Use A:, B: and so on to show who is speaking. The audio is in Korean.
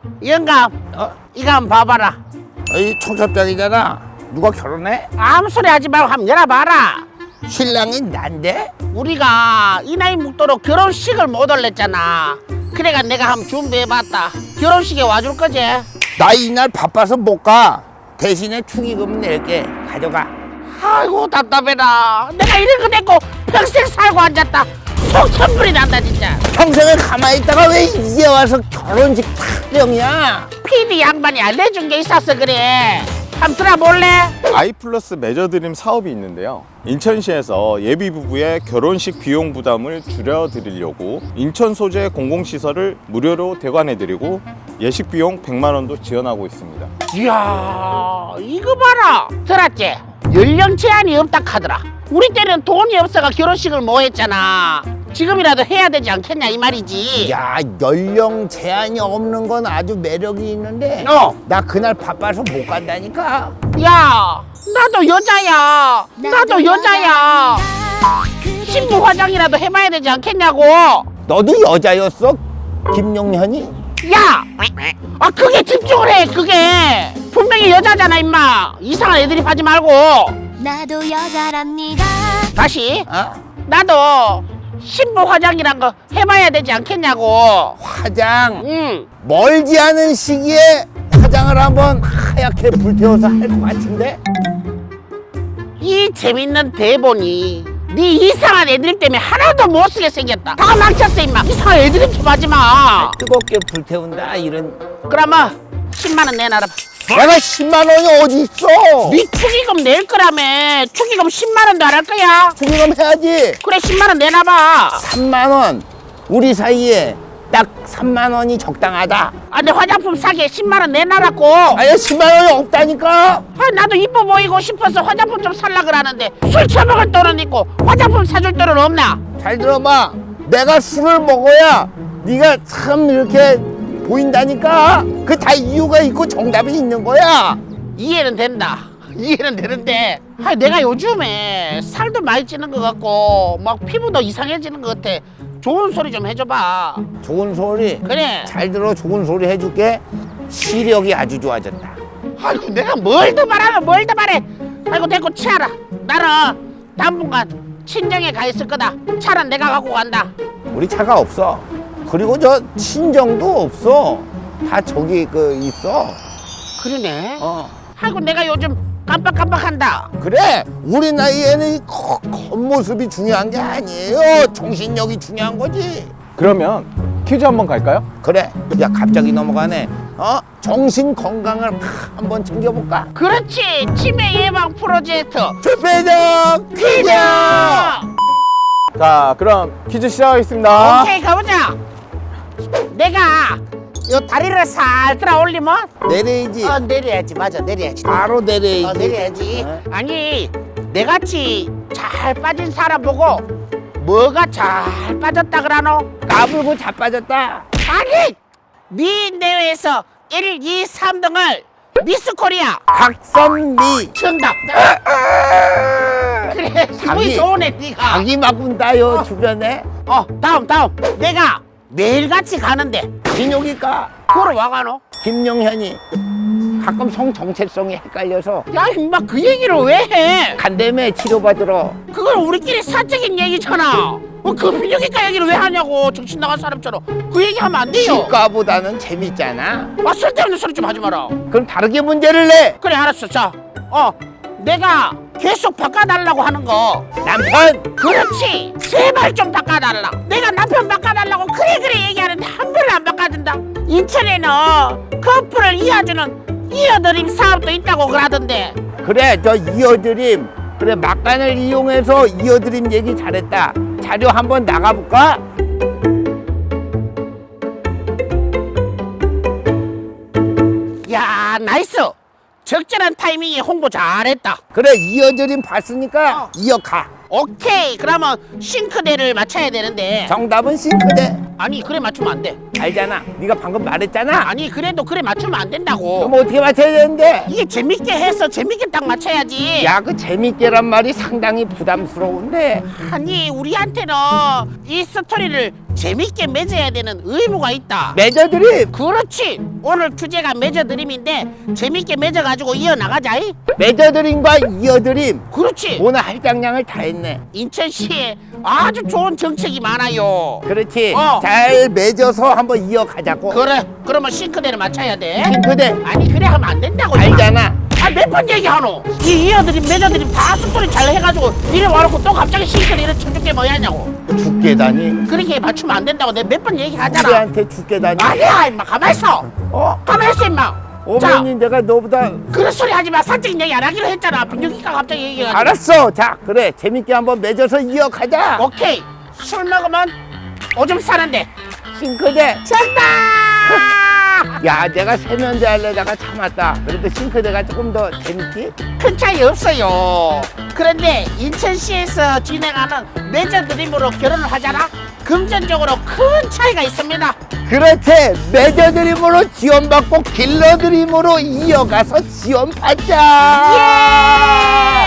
A: 영감, 이거 한번 봐봐라.
B: 이 청첩장이잖아. 누가 결혼해?
A: 아무 소리 하지 말고 한번 열어봐라.
B: 신랑이 난데?
A: 우리가 이 나이 먹도록 결혼식을 못 올렸잖아. 그래가 내가 한번 준비해봤다. 결혼식에 와줄 거지?
B: 나 이날 바빠서 못 가. 대신에 축의금 낼게. 가져가.
A: 아이고 답답해라. 내가 이런 거 냈고 평생 살고 앉았다. 속 천불이 난다 진짜.
B: 평생을 가만히 있다가 왜 이제 와서 결혼식 타령이야?
A: PD 양반이 알려준 게 있어서 그래. 한번 들어볼래?
C: 아이플러스 매저드림 사업이 있는데요. 인천시에서 예비 부부의 결혼식 비용 부담을 줄여드리려고 인천 소재 공공시설을 무료로 대관해드리고 예식 비용 100만 원도 지원하고 있습니다.
A: 이야 이거 봐라. 들었지? 연령 제한이 없다 카더라. 우리 때는 돈이 없어가 결혼식을 못 했잖아. 지금이라도 해야 되지 않겠냐 이 말이지.
B: 야, 연령 제한이 없는 건 아주 매력이 있는데 나 그날 바빠서 못 간다니까.
A: 야 나도 여자야. 나도 여자야. 신부 화장이라도 해봐야 되지 않겠냐고.
B: 너도 여자였어? 김용현이?
A: 야! 아 그게 집중을 해 그게. 분명히 여자잖아 임마. 이상한 애드립 하지 말고.
D: 나도 여자랍니다.
A: 다시.
B: 어?
A: 나도 신부 화장이란 거 해봐야 되지 않겠냐고.
B: 화장.
A: 응.
B: 멀지 않은 시기에 화장을 한번 하얗게 불태워서 할 것 같은데?
A: 이 재밌는 대본이 네 이상한 애드립 때문에 하나도 못 쓰게 생겼다. 다 망쳤어 임마. 이상한 애드립 좀 하지 마.
B: 뜨겁게 불태운다 이런.
A: 그러면 10만 원 내놔라.
B: 내가 10만 원이 어디 있어?
A: 네 축의금 낼 거라며. 축의금 10만 원도 안 할 거야.
B: 축의금 해야지.
A: 그래 10만 원 내놔봐.
B: 3만 원. 우리 사이에 딱 3만 원이 적당하다.
A: 아, 내 화장품 사게 10만 원 내놔라고.
B: 아예 10만 원이 없다니까.
A: 아, 나도 이뻐 보이고 싶어서 화장품 좀 살라 그러는데 술 처먹을 돈은 있고 화장품 사줄 돈은 없나?
B: 잘 들어봐. 내가 술을 먹어야 네가 참 이렇게 보인다니까. 그 다 이유가 있고 정답이 있는 거야.
A: 이해는 된다. 이해는 되는데 내가 요즘에 살도 많이 찌는 것 같고 막 피부도 이상해지는 것 같아. 좋은 소리 좀 해줘봐.
B: 좋은 소리.
A: 그래.
B: 잘 들어. 좋은 소리 해줄게. 시력이 아주 좋아졌다.
A: 아이고 내가 뭘 더 말하면 뭘 더 말해. 아이고 됐고 치아라. 나는 당분간 친정에 가 있을 거다. 차는 내가 갖고 간다.
B: 우리 차가 없어. 그리고 저 친정도 없어. 다 저기 있어.
A: 그러네.
B: 어.
A: 아이고 내가 요즘 깜빡깜빡한다.
B: 그래. 우리 나이에는 이 겉모습이 중요한 게 아니에요. 정신력이 중요한 거지.
C: 그러면 퀴즈 한번 갈까요?
B: 그래. 야, 갑자기 넘어가네. 정신 건강을 한번 챙겨볼까?
A: 그렇지. 치매 예방 프로젝트.
B: 투표적 퀴즈.
C: 자, 그럼 퀴즈 시작하겠습니다.
A: 오케이 가보자. 내가 요 다리를 살 들어 올리면
B: 내려야지.
A: 내려야지. 맞아 내려야지.
B: 바로 내려야지.
A: 내려야지.
B: 어?
A: 아니 내같이 잘 빠진 사람 보고 뭐가 잘 빠졌다 그러노?
B: 까불고 자빠졌다.
A: 아니 미 대회에서 1, 2, 3등을 미스 코리아
B: 박선미.
A: 정답. 그래 기분이 좋으네 니가.
B: 자기 막군다요 주변에.
A: 다음 내가 매일같이 가는데
B: 진혁이가
A: 그걸 와가노?
B: 김용현이 가끔 성 정체성이 헷갈려서
A: 야 임마 그 얘기를 왜 해?
B: 간담회 치료받으러.
A: 그건 우리끼리 사적인 얘기잖아. 그 비뇨기과 얘기를 왜 하냐고. 정신 나간 사람처럼 그 얘기하면 안 돼요.
B: 치과보다는 재밌잖아.
A: 쓸데없는 소리 좀 하지 마라.
B: 그럼 다르게 문제를 내.
A: 그래 알았어. 자 내가 계속 바꿔달라고 하는 거.
B: 남편.
A: 그렇지. 제발 좀 바꿔달라. 내가 남편 바꿔달라고 그래 얘기하는데 한 번을 안 바꿔준다. 인천에는 커플을 이어주는 이어드림 사업도 있다고 그러던데.
B: 그래, 저 이어드림. 그래, 막간을 이용해서 이어드림 얘기 잘했다. 자료 한번 나가볼까?
A: 야 나이스. 적절한 타이밍에 홍보 잘했다.
B: 그래, 이어드림 봤으니까 이어가.
A: 오케이. 그러면 싱크대를 맞춰야 되는데.
B: 정답은 싱크대.
A: 아니 그래 맞추면 안 돼.
B: 알잖아. 네가 방금 말했잖아.
A: 아니 그래도 그래 맞추면 안 된다고.
B: 그럼 어떻게 맞춰야 되는데?
A: 이게 재밌게 해서 재밌게 딱 맞춰야지.
B: 야, 그 재밌게란 말이 상당히 부담스러운데.
A: 아니 우리한테는 이 스토리를 재밌게 맺어야 되는 의무가 있다.
B: 맺어드림.
A: 그렇지. 오늘 주제가 맺어드림인데 재밌게 맺어가지고 이어나가자.
B: 맺어드림과 이어드림.
A: 그렇지.
B: 오늘 할당량을 다 했네.
A: 인천시에 아주 좋은 정책이 많아요.
B: 그렇지.
A: 어.
B: 잘 맺어서 한번 이어가자고.
A: 그래. 그러면 싱크대를 맞춰야 돼.
B: 싱크대
A: 아니 그래 하면 안 된다고.
B: 알잖아.
A: 몇 번 얘기하노? 이 이어드림 맺어드림 다 숙소리 잘 해가지고 이래 와놓고 또 갑자기 싱크대 이래 쳐줄 게 뭐야냐고.
B: 죽게다니.
A: 그렇게 맞추면 안 된다고 내가 몇 번 얘기하잖아.
B: 우리한테 죽게다니.
A: 아니야 임마 가만있어. 가만있어 임마. 자,
B: 어머니 내가 너보다
A: 그런 소리 하지 마. 사적인 얘기 안 하기로 했잖아. 여기가 갑자기 얘기해가지고.
B: 알았어. 자 그래 재밌게 한번 맺어서 이어가자.
A: 오케이. 술 먹으면 오줌 싸는데.
B: 싱크대.
A: 정답!
B: 야 내가 세면대 하려다가 참았다. 그래도 싱크대가 조금 더 재밌지?
A: 큰 차이 없어요. 그런데 인천시에서 진행하는 맺어드림으로 결혼을 하잖아. 금전적으로 큰 차이가 있습니다.
B: 그렇지. 맺어드림으로 지원받고 길러드림으로 이어가서 지원받자.
A: 예!